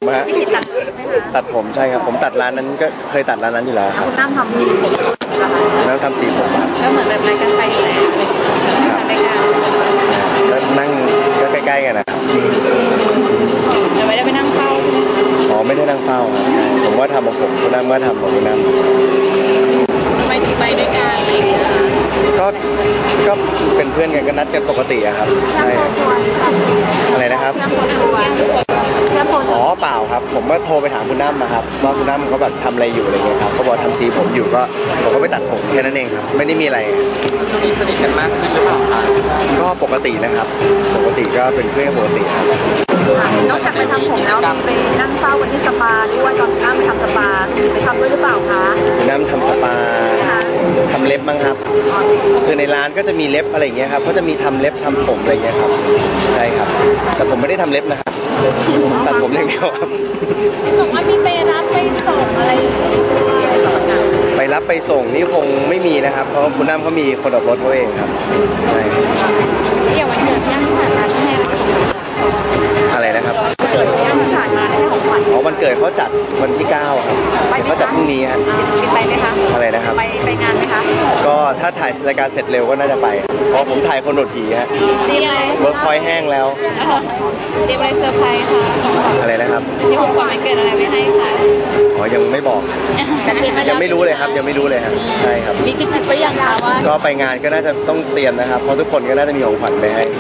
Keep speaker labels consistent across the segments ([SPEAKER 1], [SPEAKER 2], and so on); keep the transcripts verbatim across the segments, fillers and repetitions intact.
[SPEAKER 1] ฮะตัดผมใช่ครับผมตัดร้านนั้นก็เคยตัดร้านนั้นอยู่แล้วครับ
[SPEAKER 2] คุณน้ำทำสีผม
[SPEAKER 1] น้ำทำสีผมครับ
[SPEAKER 2] ก็เหมือนแบบรายการไฟอยู่แล้วทำรายการ
[SPEAKER 1] ก็นั่งก็ใกล้ๆกันนะครับ
[SPEAKER 2] จะไม่ได้ไปนั่งเฝ้าใช่ไหมคะ
[SPEAKER 1] อ๋อไม่ได้นั่งเฝ้าครับผมว่าทำของผมคุณน้ำก็ทำของคุณน้ำ
[SPEAKER 2] ทำไมถึงไปด้วยกันอะไรอย่างเงี้ย
[SPEAKER 1] ก็ก็เป็นเพื่อนกันก็นัดกันปกติอะครับใช่อะไรนะครับอ๋อเปล่าครับผมก็โทรไปถามคุณน้ำนะครับว่าคุณน้ำเขาแบบทำอะไรอยู่อะไรเงี้ยครับเขาบอกทำสีผมอยู่ก็ผมก็ไปตัดผมแค่นั้นเองครับไม่ได้มีอะไร
[SPEAKER 3] ช่วงนี้สนิทกันมากขึ้นหรือเปล่าคะ
[SPEAKER 1] ก็ปกตินะครับปกติก็เป็นเพื่อนปกติครับ
[SPEAKER 2] นอกจากไปทำผมแล้วมีไปนั่งเฝ้ากันที่สปาด้วยตอนน้ำไปทำสปาไปทำด้วยหรือเปล่าคะ
[SPEAKER 1] น้ำทำสปาทำเล็บมั้งครับคือในร้านก็จะมีเล็บอะไรอย่างเงี้ยครับเขาจะมีทำเล็บทำผมอะไรเงี้ยครับใช่ครับแต่ผมไม่ได้ทำเล็บนะครับตัดผมอย่างเดียวครับ
[SPEAKER 2] บอกว่ามีไปรับไปส่งอะไร
[SPEAKER 1] ไปรับไปส่งนี่คงไม่มีนะครับเพราะคุณน้ำเขามีคนขับรถเขาเองครับใช่
[SPEAKER 2] อย่างวันเกิดย่างผ่านมาใช่ไหม
[SPEAKER 1] อะไรนะครับ
[SPEAKER 2] เกิดย่างผ่านมาให้ของขวัญ
[SPEAKER 1] อ๋อวันเกิดเขาจัดวันที่เก้าครับเขาจัดพรุ่งนี้ฮะ
[SPEAKER 2] ไปไหมคะ
[SPEAKER 1] อะไรนะครับ
[SPEAKER 2] ไปไปงานไหมคะ
[SPEAKER 1] ก็ถ้าถ่ายรายการเสร็จเร็วก็น่าจะไปเพราะผมถ่ายคนหนวดผีฮะ
[SPEAKER 2] เ
[SPEAKER 1] วิร์กพอยต์แห้งแล้ว
[SPEAKER 2] เตรียมอะไรเซอร์ไพรส์ค่ะ
[SPEAKER 1] อะไรนะครับ
[SPEAKER 2] ที่ผมก่อนเกิดอะไรไม่ให้ค่ะ
[SPEAKER 1] อ๋อยังไม่บอกยังไม่รู้เลยครับยังไม่รู้เลยครับใช่ครับ
[SPEAKER 2] มีคิดไปยังคะว่า
[SPEAKER 1] ก็ไปงานก็น่าจะต้องเตรียมนะครับเพราะทุกคนก็น่าจะมีของขวัญไปให้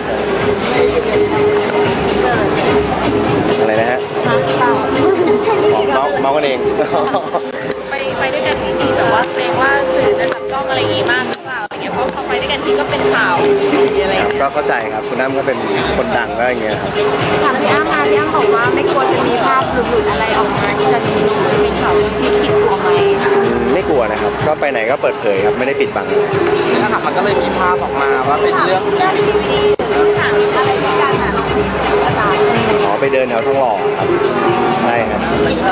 [SPEAKER 1] อะไรนะฮะเมาเมากันเอง
[SPEAKER 2] ไปไปด้วยกันที่มีแบบว่าแสดงว่าสื่อจะจับจ้องอะไรอย่างงี้มากหรือเปล่าอย่างเงี้ยเพราะพอไปด้วยกันทีก็เป็นข่าวอะไร
[SPEAKER 1] ก็เข้าใจครับคุณน้ำก็เป็นคนดังก็อย่างเงี้ยครับ
[SPEAKER 2] ค่ะพี่อ้ำมาพี่อ้ำบอกว่าไม่กลัวจะมีภาพหลุดๆอะไรออกมาที่จะมีเป็นข่าวที่ผิดตัวไหม
[SPEAKER 1] ไม่กลัวนะครับก็ไปไหนก็เปิดเผยครับไม่ได้ปิดบัง
[SPEAKER 3] นะครับมันก็เลยมีภาพออกมาว่าเป็นเรื่อง
[SPEAKER 2] ที่หนังอะไรที่การหา
[SPEAKER 1] อ๋อไปเดินแถวทองหล่อครับใช่ครับ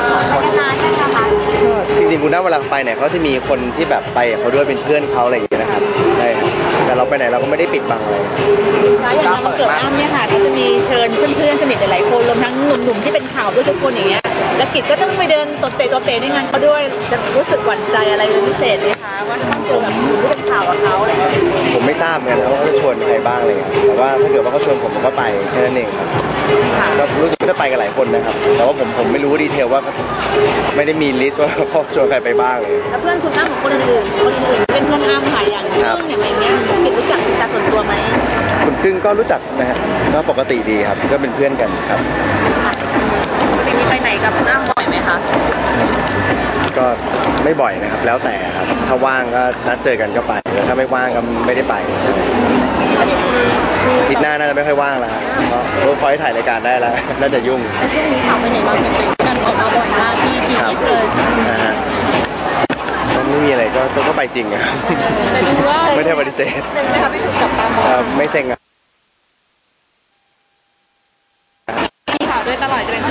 [SPEAKER 1] จริงๆคุณน้าเวลาไปเนี่ยเขาจะมีคนที่แบบไปเขาด้วยเป็นเพื่อนเขาอะไรอย่างเงี้ยนะครับใช่ครับแต่เราไปไหนเราก็ไม่ได้ปิดบังอะไร
[SPEAKER 2] อย่างวันเกิดอ้ำเนี่ยค่ะก็จะมีเชิญเพื่อนๆสนิทหลายๆคนรวมทั้งหนุ่มๆที่เป็นข่าวด้วยทุกคนอย่างเงี้ยแล้วกิจก็ต้องไปเดินตดเตะตดเตะในงานเขาด้วยจะรู้สึกหวั่นใจอะไรเป็นพิเศษไหมคะว่าต้องเจอแบบอยู่ที่เป็นข่าวกับเขาอะไรอย่างเงี้ย
[SPEAKER 1] ผมไม่ทราบเหมือนกันว่าเขาจะชวนใครบ้างเลยแต่ว่าถ้าเกิดว่าเขาชวนผมผมก็ไปแค่นั้นเองครับก็รู้สึกจะไปกันหลายคนนะครับแต่ว่าผมผมไม่รู้ดีเทลว่าไม่ได้มีลิสต์ว่าเขาชวนใครไปบ้างเลย
[SPEAKER 2] แล้วเพื่อนคุณอ้ำของคนอื่นคนอื่นเป็นเพื่อนอ้ำหายอย่างเรื่องอย่างไรเงี้ยกิจรู้จักเป็นการส่วนตัวไหม
[SPEAKER 1] คุณกึ้งก็รู้จักนะฮะก็ปกติดีครับก็เป็นเพื่อนกันครับ
[SPEAKER 2] ปกติมีไปไหนกับคุณอ้ำบ่อยไหมคะ
[SPEAKER 1] ก็ไม่บ่อยนะครับแล้วแต่ครับถ้าว่างก็นัดเจอกันก็ไปแล้วถ้าไม่ว่างก็ไม่ได้ไปใช่อาทิตย์หน้าน่าจะไม่ค่อยว่างแล้วเพราะเวิร์คพอยต์ถ่ายรายการได้แล้วน่าจะยุ่ง
[SPEAKER 2] แต่ช่วงนี้ข่าวไปไหนมาเป็นกันออกมาบ่อยมากที่ทีเอสเลย
[SPEAKER 1] ไม่มีอะไรก็ก็ไปจริงครับไม่ได้ปฏิเสธ
[SPEAKER 2] ใช่ไหมคะไม่ถูกจับตามอง
[SPEAKER 1] ไม่เซ็งอะ
[SPEAKER 2] มีข่าวด้วยตลอดเลย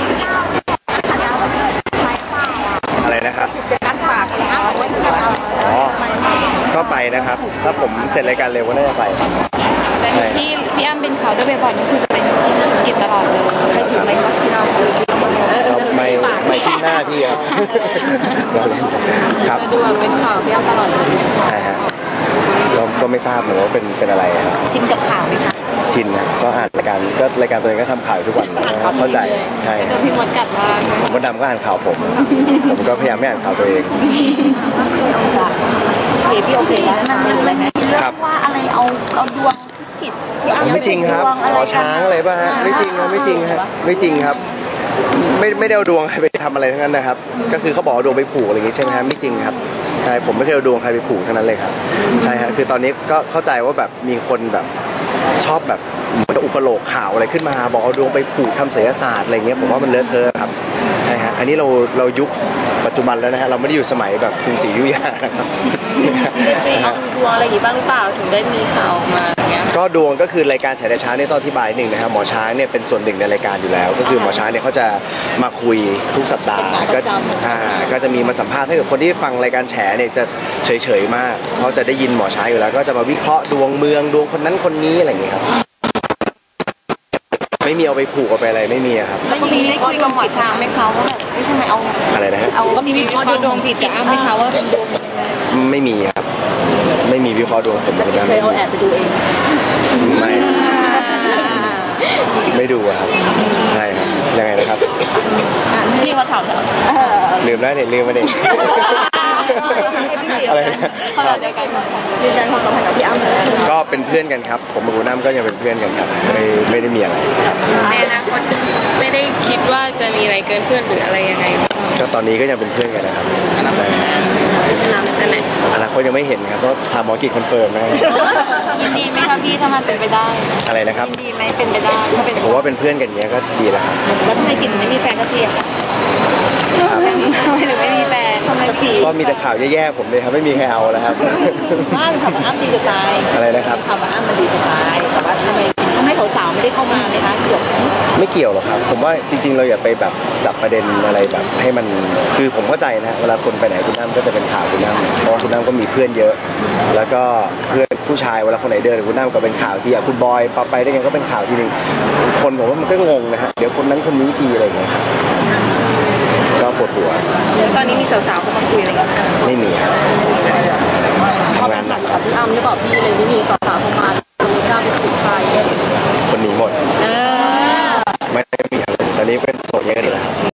[SPEAKER 1] อะไรนะครับ
[SPEAKER 2] การฝาก
[SPEAKER 1] อ๋อก็ไปนะครับถ้าผมเสร็จรายการเร็วก็น่าจะไป
[SPEAKER 2] แต่ที่พี่อ้ำเป็นข่าวด้วยบ่อยๆนี่คือจะเป็นที่เรื่องกิจตลอดเลยใครถือไมค์ก็ที่เรา
[SPEAKER 1] ไม่ไม่ที่หน้าพี่ครับครับ
[SPEAKER 2] ดูเป็นข่าวพี่อ้ำตลอดเลย
[SPEAKER 1] ใช่ฮะก็ก็ไม่ทราบเหมือนว่าเป็นเป็นอะไร
[SPEAKER 2] ชินกับข่าวไหมคะ
[SPEAKER 1] ชินนะก็อ่านรายการก็รายการตัวเองก็ทำข่าวทุกวันเข้าใจใช่
[SPEAKER 2] พี่มดกัดว่า
[SPEAKER 1] ผมก็ดำก็อ่านข่าวผมผมก็พยายามไม่อ่านข่าวตัวเอง
[SPEAKER 2] โอเคพี่โอเคแล้วมันเป็นอะไรไงเรื่องว่าอะไรเอาเอาดวงผิด
[SPEAKER 1] ไม่จริงครับหมอช้างอะไรป่ะฮะไม่จริงครับไม่จริงครับไม่จริงครับไม่ไม่ได้เอาดวงใครไปทำอะไรทั้งนั้นนะครับก็คือเขาบอกดวงไปผูกอะไรอย่างงี้ใช่ไหมฮะไม่จริงครับใช่ผมไม่เคยเอาดวงใครไปผูกทั้งนั้นเลยครับใช่ฮะคือตอนนี้ก็เข้าใจว่าแบบมีคนแบบชอบแบบอุปโลกข่าวอะไรขึ้นมาบอกเอาดวงไปผูกทำศิลปศาสตร์อะไรเงี้ยผมว่ามันเลอะเทอะครับใช่ฮะอันนี้เราเรายุคปัจจุบันแล้วนะฮะเราไม่ได้อยู่สมัยแบบกรุงศรีอยุธยานะครับ
[SPEAKER 2] ได้ไปเอาดวงอะไรอย่างงี้บ้างหรือเปล่าถึงได้มีข่าวออกมาอย่างเงี้ย
[SPEAKER 1] ก็ดวงก็คือรายการฉายแต่เช้าเนี่ยต้องอธิบายหนึ่งนะครับหมอช้างเนี่ยเป็นส่วนหนึ่งในรายการอยู่แล้วก็คือหมอช้างเนี่ยเขาจะมาคุยทุกสัปดาห์ก็อ่าก็จะมีมาสัมภาษณ์ถ้าเกิดคนที่ฟังรายการแฉเนี่ยจะเฉยๆมากเพราะจะได้ยินหมอช้างอยู่แล้วก็จะมาวิเคราะห์ดวงเมืองดวงคนนั้นคนนี้อะไรอย่างเงี้ยครับไม่มีเอาไปผูกเอาไปอะไรไม่มีอะครับ
[SPEAKER 4] แล้วอย่างนี้ได้คุยกับหมอช้างไหมคะว่าแบบเฮ้ยทำไมเอา
[SPEAKER 1] อะไรนะฮะ
[SPEAKER 4] เอา
[SPEAKER 2] ก็มีวิเคราะห์ดวงผิดกับอ้ำไหมคะว่าเป็นดวงยังไง
[SPEAKER 1] ไม่มีครับไม่มีวิเคราะห์ดวงผม
[SPEAKER 2] แล้ว
[SPEAKER 1] คุณ
[SPEAKER 2] เค
[SPEAKER 1] น้ำ
[SPEAKER 2] ยเอาแอบไปดูเอง
[SPEAKER 1] ไม่ไม่ดูอะครับใช่ครับยังไงนะครับ
[SPEAKER 2] พี่มาถามแล้ว
[SPEAKER 1] ลืมแล้วเนี่ยลืมมาเนี่ยอะไรนะ
[SPEAKER 4] ขนาดเดียวกัน
[SPEAKER 2] ยืนยันความสัมพันธ์กับพี่อ้ำเลย
[SPEAKER 1] ก็เป็นเพื่อนกันครับ ผมกับคุณน้ำก็ยังเป็นเพื่อนกันครับไม่ไม่ได้มีอะไรครับ
[SPEAKER 5] ในอนาคตไม่ได้คิดว่าจะมีอะไรเกินเพื่อนหรืออะไรยังไง
[SPEAKER 1] ก็ตอนนี้ก็ยังเป็นเพื่อนกันนะครับใช่ครับ
[SPEAKER 5] นั่นแหละ
[SPEAKER 1] อนาคตยังไม่เห็นครับเพราะทางหมอกิจคอนเฟิร์มนะ
[SPEAKER 4] ยินดีไหมคะพี่ถ้ามันเป็นไปได้
[SPEAKER 1] อะไรนะครับ
[SPEAKER 4] ยินดีไหมเป็นไปได้ถ้าเป็น
[SPEAKER 1] ผมว่าเป็นเพื่อนกันอย่างเงี้ยก็ดีแล้วครับ
[SPEAKER 2] แล้วทำไมกินไม่มีแฟนสักทีอะคะ
[SPEAKER 1] ครับ
[SPEAKER 4] ทำไมถึงไม่มีแฟน
[SPEAKER 2] ทำไมสักที
[SPEAKER 1] ก็มีแต่ข่าวแย่ๆผมเลยครับไม่มีใครเอาแล้วครับ
[SPEAKER 2] ว่าข่าวว่าอ้ำดีจะตาย
[SPEAKER 1] อะไรนะครับ
[SPEAKER 2] ข่าวว่าอ้ำมันดีจะตายแต่ว่าทำไมสิ่งทำให้สาวๆไม่ได้เข้ามาไหมคะเกี่ยวกับ
[SPEAKER 1] ไม่เกี่ยวหรอกครับ ผมว่าจริงๆ เราอย่าไปแบบจับประเด็นอะไรแบบให้มันคือผมเข้าใจนะฮะเวลาคนไปไหนคุณน้ำก็จะเป็นข่าวคุณน้ำเพราะว่าคุณน้ำก็มีเพื่อนเยอะ แล้วก็เพื่อนผู้ชายเวลาคนไหนเดินกับคุณน้ำก็เป็นข่าวทีอ่ะคุณบอยไปได้ไงก็เป็นข่าวทีหนึ่งคนผมว่ามันก็งงนะฮะเดี๋ยวคนนั้นคนนี้ทีอะไรอย่างเงี้ยครับก็ปวดหัว
[SPEAKER 5] ตอนนี้มีสาวๆเข้ามาคุยอะไรกัน
[SPEAKER 1] ไม่มีครับทำงานหนักครับ
[SPEAKER 4] พี่อ้ำหรือเปล่าพี่เลยไม่มีส